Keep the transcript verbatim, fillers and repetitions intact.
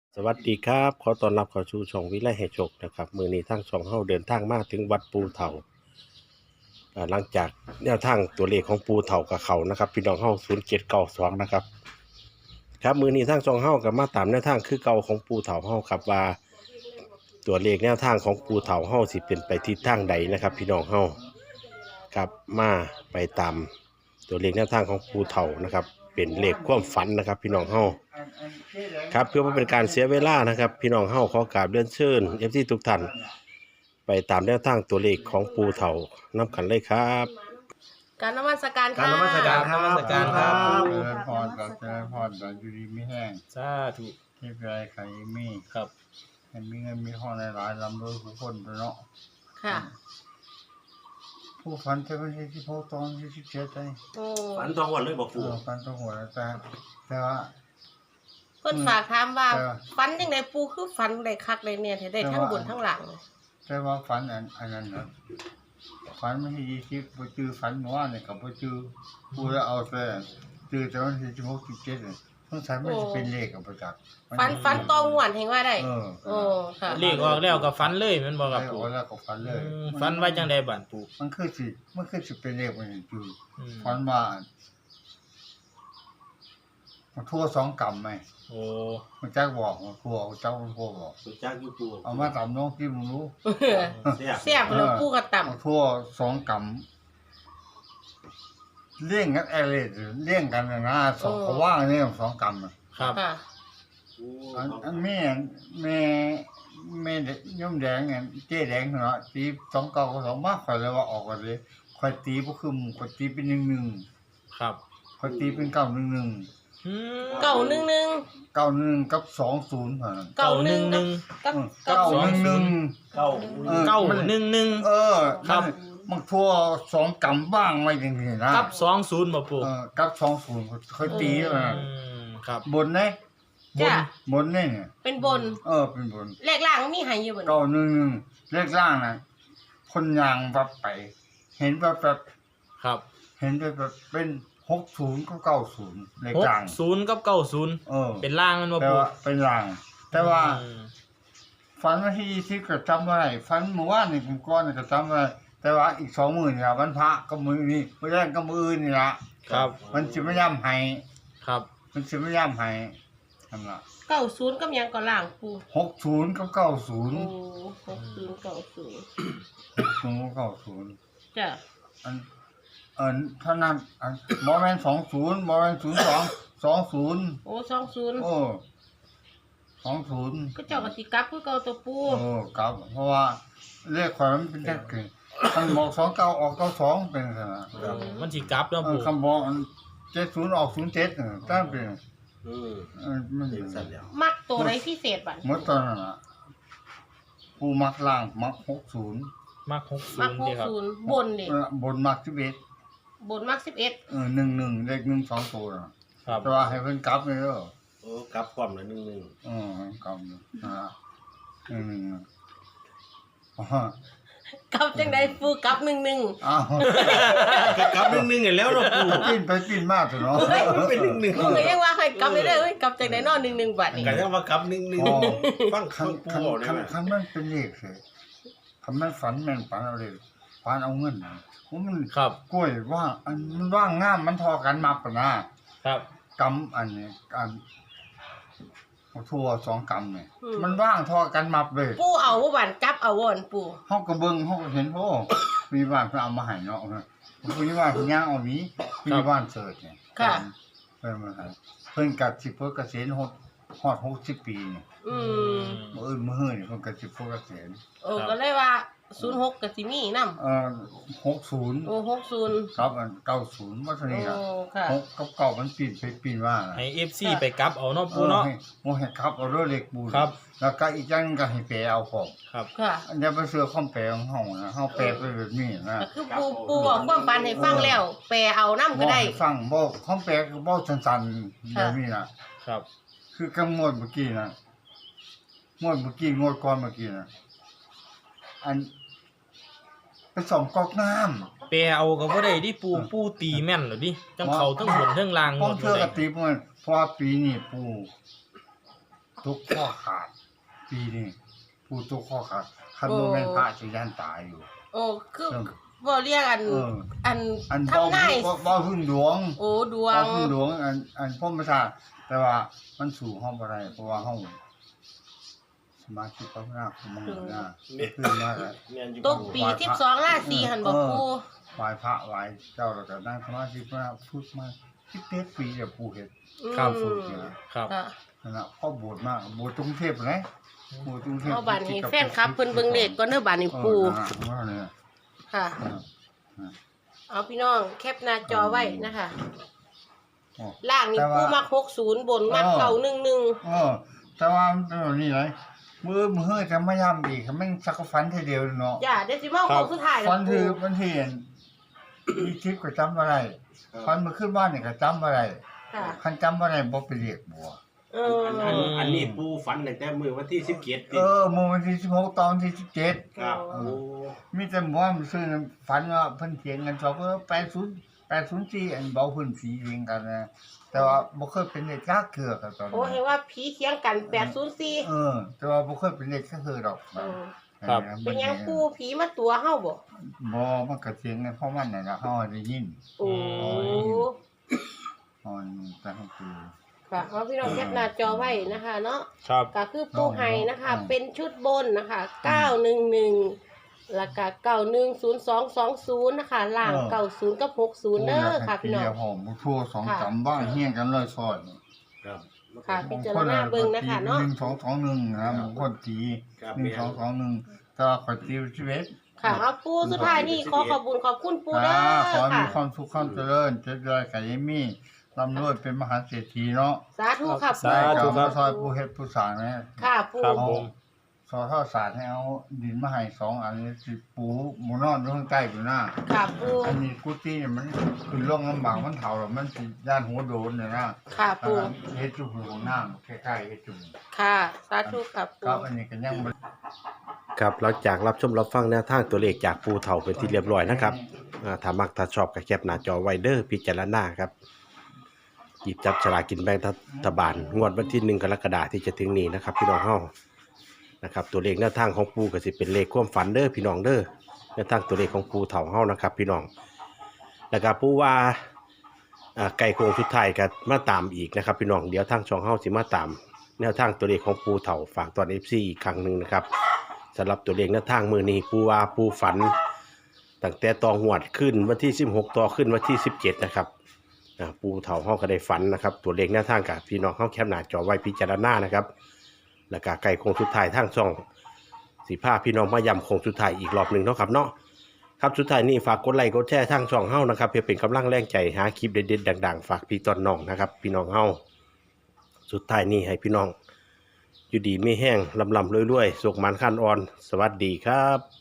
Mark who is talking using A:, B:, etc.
A: สวัสดีครับขอต้อนรับเข้าสู่ช่องวิไลให้โชคนะครับมื้อนี้ทางช่องเฮาเดินทางมาถึงวัดปูเฒ่าอ่าหลังจากแนวทางตัวเลขของปูเฒ่ากับเขานะครับพี่น้องเฮาศูนย์เจ็ดเก้าสองนะครับครับมื้อนี้ทางช่องเฮาก็มาตามแนวทางคือเก่าของปูเฒ่าเฮาครับว่าตัวเลขแนวทางของปูเฒ่าเฮาสิเป็นไปทิศทางใดนะครับพี่น้องเฮาครับมาไปตามตัวเลขแนวทางของปูเฒ่านะครับเป็นเลขความฝันนะครับพี่น้องเฮา ครับเพื่อไม่เป็นการเสียเวลานะครับพี่น้องเฮาขอกราบเรียนเชิญเอฟซีทุกท่านไปตามแนวทางตัวเลขของปูเฒ่านํกันเลยครับ
B: การนมัสการ
A: การ
B: ค่ะ
A: นมัสการครับ
C: นมัสการครับ
D: เจริญพรกับเจริญพรกับอยู่ดีไม่แห้ง
C: สาธุ
D: เที่ไรใครมี
C: ครับ
D: ให้มีเงินมีห้องในหลายลำรวยทุกคนไปเนาะ
B: ค่ะ
D: ผู้ฝันจะเป็นที่พ่อตอนที่สิบเจ็ดใจ
B: โอ้
A: ฝันตองวันเลยบอก
D: เอ
A: ปู
D: อฝันต้องหัวแต่แต่ว่า
B: เพิ่นฝากถามว่า
D: เออ
B: ฟันจังไดปูคือฟันได้คักได้เนี่ยได้ทั้งบนทั้งหลัง
D: แต่ว่าฝันอันอันนั้นนะฝันไม่ใช่ยี่สิบไปจือฝันเมื่อวานเนี่ยกับไปจือผู้แล้วเอาแต่จือแต่วันที่สิบหกสิบเจ็ดเนี่ยต้องใช้ไม่เป็นเลขกับประจักษ์
B: ฟันฟันตองหวนเห็นว่าได้
D: เออ
B: โอ้ค่ะ
C: เลขออกแล้วก็ฝันเลยแมันบ่ครับ
D: ได้
C: ปู่
D: โอ้แล้วก็ฝันเลย
C: อืมฝันไว้จังไดบ้านปู่
D: มันคือสิมันคือสิเป็นเลขมันอยู่
C: อืม
D: ฝันว่ามันทั่วสองกำไหม
C: โอ้
D: มันจักบอกมันทั่วเจ้ามันทั่วบอก
A: สุจักอยู่ปู
D: เอามาตำน้องที่มึงรู้
A: เสีย
B: เสียบแล้วปูก็ต่ำ
D: มันทั่วสองกำเลี่ยงกันอะไรเลี่ยงกันนะนะสองเขาว่างเนี่ยสองกำน่ะ
C: ครับ
B: ค่ะ
D: อันอันแม่แม่แม่ย่อมแดงไงเจ๊แดงเนาะตีสองเก้ากับสองมากข่อยเลยว่าออกกันเลยข่อยตีก็คือข่อยตีเป็นหนึ่งหนึ่ง
C: ครับ
D: ข่อยตีเป็นเก้าหนึ่งหนึ่ง
C: อืม
B: เก่าหนึ่งหนึ่ง
D: เก้าหนึ่งกับสองศูนย์เท่านั้น
B: เก่าหนึ่งหนึ่งกับกับ
D: เก้าหนึ่งหนึ่ง
A: เข้า
D: เออ
C: เก้าหนึ่งหนึ่ง
D: เออ
C: ครับ
D: มันมันทั่วสองกำบ้างไว้จริงๆนะ
C: กับสองศูนย์บ่ปู่
D: เออกับสองศูนย์เคยตีแล้วนะ
C: อืมครับ
D: บนเนี่ย
C: บน
B: จ้ะ
D: บนเนี่ยเนี่ย
B: เป็นบน
D: เออเป็นบน
B: เลขล่างมีใหายอยู่บ่
D: เก้าหนึ่งหนึ่งเลขล่างนะคนยางวับไป เห็นแบบแบบ
C: ครับ
D: เห็นแบบแบบเป็นหกศูนย์ก็เก้าศูนย์เลข
C: หก
D: ล่าง
C: ศูนย์กับเก้าศูนย์
D: เออ
C: เป็นล่างมันบ่
D: แต่
C: ปู่
D: ว่าเป็นล่าง แต่ว่า
C: อืม
D: ฝันวันที่ยี่สิบก็จำไม่ได้ฝันเมื่อวานนี่ผมก้อนนี่ก็จำไม่ได้แต่ว่าอีกสองมือนี่ละวันพระก็มือนี่ไม่ได้ก็มืออื่นนี่ละ
C: ครับ
D: มันจะไม่ย่ำให้
C: ครับ
D: มันจะไม่ย่ำให้ทำละ
B: เก้าศูนย์กับหยังก็ล่างปู
D: หกศูนย์กับเก้าศูนย์
B: โอ้หกศูนย์เก้าศูนย์
D: หกศูนย์กับเก้าศูนย์
B: จ้ะ
D: อันอันเท่านั้นอันบอแมนสองศูนย์บอแมนศูนย์สองสองศูนย์
B: โอ้สองศูนย์
D: โอ้สองศูนย์
B: ก็เจ้าก็สิกลับคือเก่าตัวปู
D: โอ้ครับเพราะว่าเลขความมันเป็นแค่เกินคันบอกสองเก้าออกเก้าสองเป็นขนาด
C: ครับมันสิกลับเนาะ
D: เออ
C: ปู่
D: คำบอกเจ็ดศูนย์ออกศูนย์เจ็ดเนี่ยตั้งเป็น
A: อืม
D: เออมัน
A: เด็กสั่นแล้ว
B: มักตัวไหนพิเศษบัด
D: เมื่อตอนนั้นอ่ะผู้มักล่างมักหกศูนย์
C: มักหกศู
B: มัก
C: นย์
B: ห
C: เด้
B: ก
C: ครับ
B: ศูนย์บนดิ
D: บนมักสิบเอ็ด
B: บนมักสิบเอ็ด
D: เออหนึ่งหนึ่งเลขหนึ่งสองตัวน่ะ
C: ครับ
D: แต่ว่าให้เพิ่นกลับเลยเด้อ
A: โอ้กลับความละหนึ่งหนึ่ง
D: เออกลับเลยนะหนึ่งหนึ่งอ่ะอ๋อก
B: ลับจังไดปูกลับหนึ่งหนึ่ง
D: อ้าว
A: ก็กลับหนึ่งหนึ่งอีกแล้วเนาะปู
D: ปิ้นไปปิ้นมาเถอะเนาะ
A: เป็นหนึ่งหนึ่ง
B: ปูก็ยังว่าให้กลับไปได้เอ้ยกลับจังไดนอนหนึ่งหนึ่งบาทนี่
A: กันยังว่ากลับหนึ่งหนึ่ง
D: อ๋อ
A: ฟัง
D: คั
A: ฟั
D: น
A: งปู
D: คัน
A: บอกได้
D: คัน
A: ไหม
D: คันมันเป็นเลขเลยคันมันฝันแม่นฝันเอาเลยฝันเอาเงินนะว่ามัน
C: ครับ
D: กล้วยว่างอันมันว่างงามมันทอกันมาปะนะครับ กำอันนี้อันเอาทั่วสองกำเนี่ยมันว่างทอกันมาเลย
B: ปูเอาบ่บันจับเอาบ่นปู
D: เฮาก็เบิ่งเฮาก็เห็นโอ้มีบ้านเพิ่นเอามาให้เนาะนะมีบ้านเพิ่นย่างเอาหวีมีบ้านเสิร์ชเนี่ย
B: ค่ะ
D: เพิ่นมาให้เพิ่นก็สิเพิ่นเกษียณฮอดฮอดหกสิบปีนี่
B: อืม
D: มื้ออื่นมื้อฮื้อนี่เพิ่นก็สิเพิ่นเกษียณ
B: โอ้ก็เลยว่าศูนย์หกก็สิมีนำ
D: เอ่อหกสิบ
B: โอ้หกศูนย์
D: ครับอันเก้าสิบว่าเท่า
B: โอ้
D: นี้ล่ะ
B: ค่ะ
D: หกกับเก้ามันปีนไปปีนมาน่ะ
C: ให้ เอฟ ซี ไปกลับเอาเนาะ
D: เอ
C: ปู่
D: อ
C: เนาะ
D: ให้บ่ให้ครับเอาเรือเล็กบูน
C: ครับ
D: แล้วก็อีกอย่างหนึงก็ให้แปลเอาของ
C: ครับ
B: ค่ะ
D: อันนี้เป็นเสื้อข้อมแปลของเฮานะเฮาแปลไปแบบนี้นะ
B: ก็คือปูปูบอกความฝันให้ฟังแล้ว แปลเอานำก็ได้
D: บอกให้ฟังบอกข้อมแปลก็บอกสั้นๆแบบนี้นะครับ คือกำงวดเมื่อกี้นะงวดเมื่อกี้งวดก่อนเมื่อกี้นะอันไปส่องก๊อกน้ำ
C: แปลเอาก็บ่ได้ดิปู่ปู่ตีแม่นเหรอดิจังเขาทั้งบนทั้งล่างห
D: ป้
C: ม
D: อง
C: ด
D: เทื่อ
C: เล
D: ก
C: ย
D: ติมันเพราะว่าปีนี้ปูทุกข้อขาดปีนี้ผู้ทุกข้อขาดคันบ่แม่นพระสิยันตายอยู่
B: โอ้คือบ่เรียกอัน
D: เออ
B: อัน
D: อันเบา
B: ทำง่าย
D: เบาเบาขึ้นดวง
B: โอ้ดว
D: เบาง ขึ้นดวงอันอันพ่อประชาแต่ว่ามันสู่ห้องบ่ได้เพราะว่าห้องสมาธิภาวนาของมันน่ะขึ้นมาแล้ว
B: ตกปีสิบสองราศีหั่นบ่ปู
D: ไหว้พระไหว้เจ้าแล้วก็นั่งสมาธิภาวนาพุทธมาสิบเจ็ดปีแล้วปู่เฮ็ด
C: ครับ
B: อืม
C: ครับ
B: ค่ะ
D: นั่นน่ะพ่อบวชมากบวชกรุงเทพนะบวชกรุงเทพ
B: เอาบัดนี้แฟนคลับเพิ่นเบิ่งเลขก่อนเด้อบัดนี้ปู
D: เออนั่นน่ะว่าเนี่ย
B: ค่ะ
D: เออเออ
B: เอาพี่น้องแคปหน้าจอไว้นะคะ
D: อ๋อ
B: ล่างนี่
D: แต่ว่า
B: ปูมักหกสิบบนมัก
D: เออ
B: เก่าหนึ่งหนึ่ง
D: เออแต่ว่ามันเป็นแบบนี้เลยมือมือเฮ้ยจะไม่ย่ำอีกแม่งสักฟันทีเดียวเนาะ
B: อย่าเดซิมอลของสุดท้ายแล้ว
D: ฟัน
B: ปู
D: คือมันเห็นมีคลิปก็จำอะไรฟันมาขึ้นบ้านเนี่ยก็จำอะไร
B: ค่ะ
D: คันจำอะไรบ่ไปเรียกบัว
B: เอ
A: อัน
B: อ
A: อันอันนี้ปูฝันตั้งแต่มื้อวันที่สิบเจ็ด
D: เออมือวันที่สิบหกตอนที่สิบเจ็ด
A: ครับ
B: โอ้
A: โอ้
D: มีแต่หมอมันซื้อฝันว่าเพิ่นเถียงกันสองเออแปดศูนย์แปดศูนย์สี่อันเบาเพิ่นสีเองกันนะแต่ว่าบ่เคยเป็นเด็กจักเกือกันตอน
B: โอ้
D: นี้
B: เห็นว่าผีเคียงกันแปดศูนย์สี่
D: เออ แต่ว่าบ่เคยเป็นเด็กจักเกือดอก
B: เออ
C: ครับ
B: เป็นหยังปูผีมาตัวเฮาบ่
D: บ่มันก็เถียงกันเพราะมันน่ะนะเฮาได้ยิน
B: โอ้
D: เฮาแต่เฮาคือ
B: ค่ะเอาพี่น้องแคปหน้าจอไว้นะคะเนาะ
C: ครับ
B: ก็คือปูไห้นะคะ
D: อืม
B: เป็นชุดบนนะคะเก้าหนึ่งหนึ่งแล้วก็เก้าหนึ่งศูนย์สองสองศูนย์นะคะล่างเก้าศูนย์กับหกศูนย์เด้อค่ะพี่น้อง
D: เดี๋ยวผมทั่วสองจำบ้างเฮี้ยงกันเลยซอยนี่
A: ครับ
B: ค่ะพิจารณาเบิ่งนะคะเนาะ
D: หนึ่งสองสองหนึ่งนะบางคนตี
A: ครับ
D: หนึ่งสองสองหนึ่งแต่ว่าขอตีชีวิต
B: ค่ะเอาปูสุดท้ายนี่ขอขอบคุณขอบคุณปูเด้อ
D: ขอให้มี
B: ค่ะ
D: ความสุขความเจริญเจริญกับยายมี่ร่ำรวยเป็นมหาเศรษฐีเนาะ
B: สาธุค่ะ
C: สา
B: ปู
C: ธุ
D: ได้กับมาซอยผู้เฮ็ดผู้สร้างนะ
B: ค่ะปู
C: ครับ
D: เอา
C: ผม
D: ซอยท่อสารให้เอาดินมาให้สองอันนี้สิปูหมูนอนอยู่ข้างใต้อยู่หน้า
B: ค่ะปู
D: อันนี้กุฏิเนี่ยมันคือร่องลำบากมันเฒ่าแล้วมันสิย่านหัวโดนเนี่ยนะ
B: ค่ะปู
D: เฮ็ดจุ่มของน้ำคล้ายๆเฮ็ดจุ่ม
B: ค่ะสาธุค่ะปู
D: ครับอันนี้ก็ยังบ่
A: ครับหลังจากรับชมรับฟังแนวทางตัวเลขจากปูเฒ่าเป็นที่เรียบร้อยนะครับอ่าถ้ามักถ้าชอบก็แคปหน้าจอไว้เด้อพิจารณาครับหยิบจับฉลากกินแบ่งรัฐบาลงวดวันที่หนึ่งกรกฎาคมที่จะถึงนี้นะครับพี่น้องเฮานะครับตัวเลขแนวทางของปูก็สิเป็นเลขความฝันเด้อพี่น้องเด้อแนวทางตัวเลขของปูเฒ่าเฮานะครับพี่น้องแล้วก็ปูว่าอ่าไก่โคงสุดท้ายก็มาตามอีกนะครับพี่น้องเดี๋ยวทางช่องเฮาสิมาตาม แนวทางตัวเลขของปูเฒ่าฝากตอน เอฟ ซี อีกครั้งหนึ่งนะครับสำหรับตัวเลขแนวทางมือนี้ปูว่าปูฝันตั้งแต่ตองหวดขึ้นวันที่สิบหกต่อขึ้นวันที่สิบเจ็ดนะครับอ่าปูเฒ่าเฮาก็ได้ฝันนะครับตัวเลขแนวทางกับพี่น้องเฮาแคปหน้าจอไว้พิจารณานะครับแล้วก็ไก่โคงสุดท้ายทางช่องสีผ้าพี่น้องมาย้ำโคงสุดท้ายอีกรอบหนึ่งเนาะครับเนาะครับสุดท้ายนี้ฝากกดไลค์กดแชร์ทางช่องเฮานะครับเพื่อเป็นกำลังแรงใจหาคลิปเด็ดๆดังๆฝากพี่ต้นน้องนะครับพี่น้องเฮาสุดท้ายนี้ให้พี่น้องอยู่ดีไม่แห้งลำลำรวยๆสุกมันขั้นอ่อน สวัสดีครับ